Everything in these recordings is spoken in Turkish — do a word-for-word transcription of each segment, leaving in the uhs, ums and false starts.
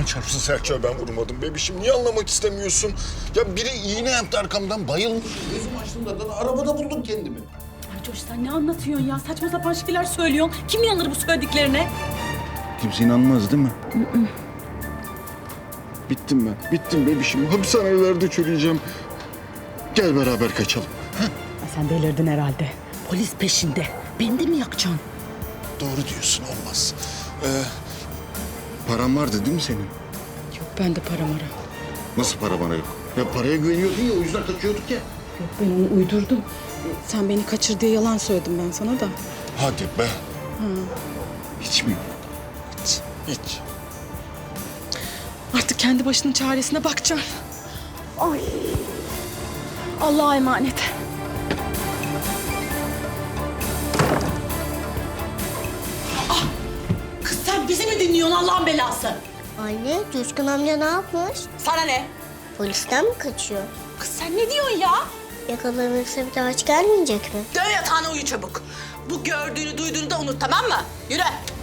çarpsın Selçuk'a ben vurmadım bebişim. Niye anlamak istemiyorsun? Ya biri iğne yaptı arkamdan, bayılmış. Gözüm açtığımda da arabada buldum kendimi. Ay Coş sen ne anlatıyorsun ya? Saçma sapan şeyler söylüyorsun. Kim inanır bu söylediklerine? Kimse inanmaz değil mi? Bittim ben, bittim bebişim. Hapishanelerde çürüyeceğim. Gel beraber kaçalım. Ay sen delirdin herhalde. Polis peşinde. Beni de mi yakacaksın? Doğru diyorsun, olmaz. Ee, paran vardı değil mi senin? Yok bende para mara. Nasıl para bana yok? Ya paraya güveniyordun ya, o yüzden kaçıyorduk ya. Yok ben onu uydurdum. Sen beni kaçır diye yalan söyledim ben sana da. Hadi be. Hiç mi yok? Hiç. Hiç. Artık kendi başının çaresine bakacaksın. Ay. Allah'a emanet. Ah! Kız sen bizi mi dinliyorsun Allah'ın belası? Anne, Coşkun amca ne yapmış? Sana ne? Polisten mi kaçıyor? Kız sen ne diyorsun ya? Yakalanırsa bir daha hiç gelmeyecek mi? Dön yatağına uyu çabuk. Bu gördüğünü duyduğunu da unut tamam mı? Yürü.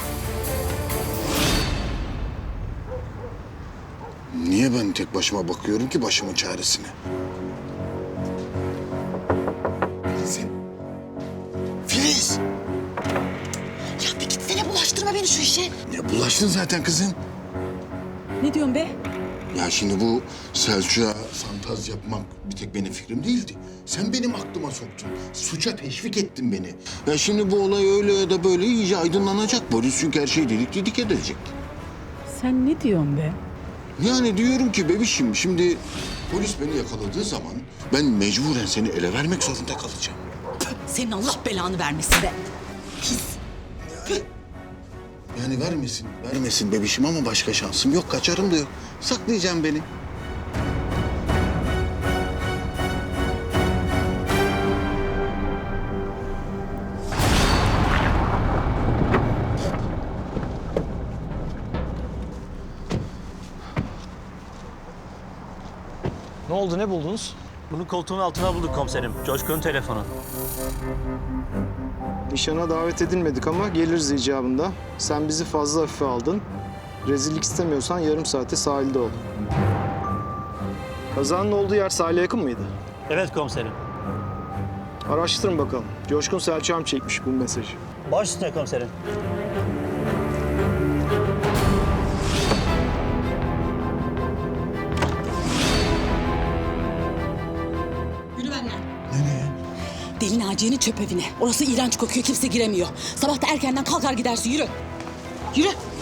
Niye ben tek başıma bakıyorum ki başımın çaresine? Filiz'im. Filiz! Ya bir gitsene bulaştırma beni şu işe. Ya bulaştın zaten kızım. Ne diyorsun be? Ya şimdi bu Selçuk'a fantaz yapmak bir tek benim fikrim değildi. Sen benim aklıma soktun. Suça teşvik ettin beni. Ya şimdi bu olay öyle ya da böyle iyice aydınlanacak. Polis çünkü her şeyi delik dedik edecek. Sen ne diyorsun be? Yani diyorum ki bebişim şimdi polis beni yakaladığı zaman ben mecburen seni ele vermek zorunda kalacağım. Senin Allah belanı vermesin be. Pis. Yani vermesin, vermesin bebişim ama başka şansım yok. Kaçarım da yok. Saklayacağım beni. Ne oldu, ne buldunuz? Bunu koltuğun altına bulduk komiserim. Coşkun'un telefonu. Nişana davet edilmedik ama geliriz icabında. Sen bizi fazla hafife aldın. Rezillik istemiyorsan yarım saate sahilde ol. Kazanın olduğu yer sahile yakın mıydı? Evet komiserim. Araştırın bakalım. Coşkun Selçuk'a mı çekmiş bu mesajı? Baş üstüne komiserim. Yürü benden. Nereye? Deli Naciye'nin çöp evine. Orası iğrenç kokuyor kimse giremiyor. Sabah da erkenden kalkar gidersin yürü. Yürü.